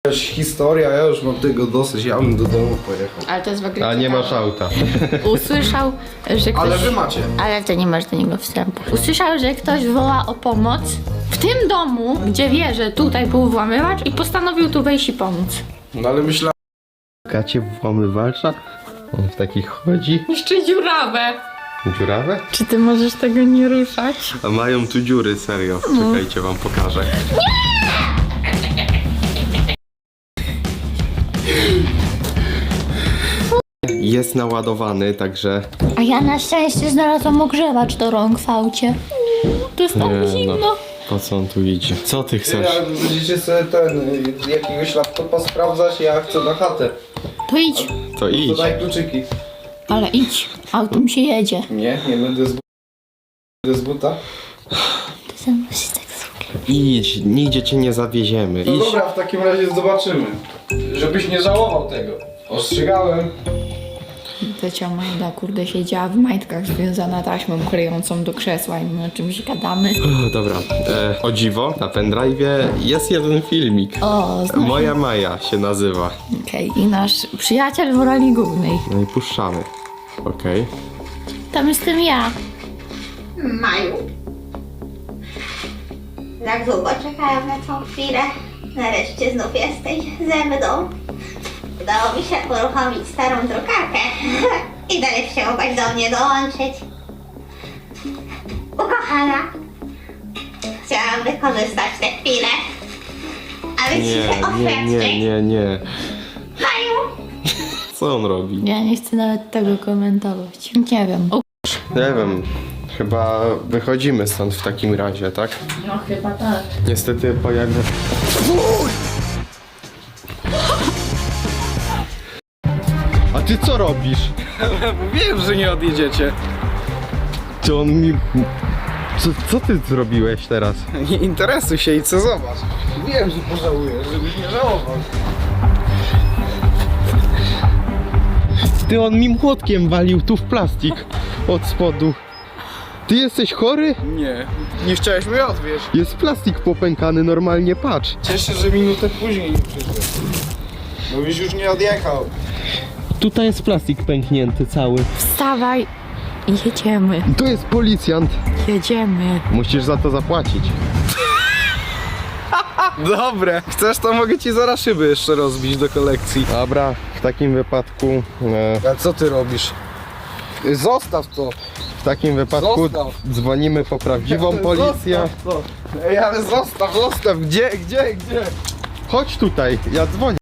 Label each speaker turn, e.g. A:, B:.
A: Historia, ja już mam tego dosyć, ja bym do domu pojechał.
B: Ale to jest w ogóle
C: A nie
B: ciekawe.
C: masz auta.
B: Usłyszał, że ktoś...
A: Ale wy macie.
B: Ale to nie masz do niego wstępu. Usłyszał, że ktoś woła o pomoc w tym domu, gdzie wie, że tutaj był włamywacz i postanowił tu wejść i pomóc.
A: No ale myślałem...
C: Kacie włamywacza? On w takich chodzi.
B: Jeszcze dziurawę.
C: Dziurawe?
B: Czy ty możesz tego nie ruszać?
C: A mają tu dziury, serio. Czekajcie, wam pokażę. Jest naładowany, także...
B: A ja na szczęście znalazłam ogrzewacz do rąk w aucie. To jest tak
C: Nie,
B: zimno.
C: no. Po co on tu idzie? Co ty chcesz?
A: Jak będziecie sobie jakiegoś laptopa sprawdzać, ja chcę na chatę.
B: To idź.
C: To
A: To
C: idź.
A: daj kluczyki.
B: Ale idź. Autem się jedzie.
A: Nie będę z buta.
B: Ty ze mną się tak zrobił.
C: Idź, nigdzie cię nie zawieziemy.
A: No
C: Idź.
A: dobra, w takim razie zobaczymy. Żebyś nie żałował tego. Ostrzegałem.
B: Tecia Majda, kurde, siedziała w majtkach związana taśmą klejącą do krzesła i my o czymś gadamy.
C: O, dobra, o dziwo, na pendrive'ie jest jeden filmik.
B: O,
C: Moja Maja się nazywa.
B: Okej, i nasz przyjaciel w roli głównej.
C: No i puszczamy. Okej.
B: Tam jestem ja.
D: Maju. Tak długo czekałam na tą chwilę. Nareszcie znów jesteś ze mną. Udało mi się uruchomić starą drukarkę i nareszcie mogłaś do mnie dołączyć. Ukochana, chciałam wykorzystać tę chwilę, aby ci się oświadczyć.
C: Nie.
D: Maju!
C: Co on robi?
B: Ja nie chcę nawet tego komentować. Nie wiem.
C: Nie wiem. Chyba wychodzimy stąd w takim razie, tak?
B: No chyba tak.
C: Niestety pojawia... A ty co robisz?
A: Wiem, że nie odjedziecie.
C: Czy on mi... Co ty zrobiłeś teraz?
A: Nie interesuj się i co zobacz. Wiem, że pożałujesz, żebyś nie żałował.
C: Ty, on mi młotkiem walił tu w plastik od spodu. Ty jesteś chory?
A: Nie chciałeś mnie odwieźć.
C: Jest plastik popękany, normalnie, patrz.
A: Cieszę się, że minutę później nie przyszedł. Bo byś już nie odjechał.
C: Tutaj jest plastik pęknięty cały.
B: Wstawaj i jedziemy.
C: To jest policjant.
B: Jedziemy.
C: Musisz za to zapłacić.
A: Dobre. Chcesz, to mogę ci zaraz szyby jeszcze rozbić do kolekcji.
C: Dobra, w takim wypadku...
A: A co ty robisz? Zostaw to.
C: W takim wypadku
A: Zostaw.
C: dzwonimy po prawdziwą policję.
A: Zostaw to. Ej, ale zostaw. Gdzie?
C: Chodź tutaj, ja dzwonię.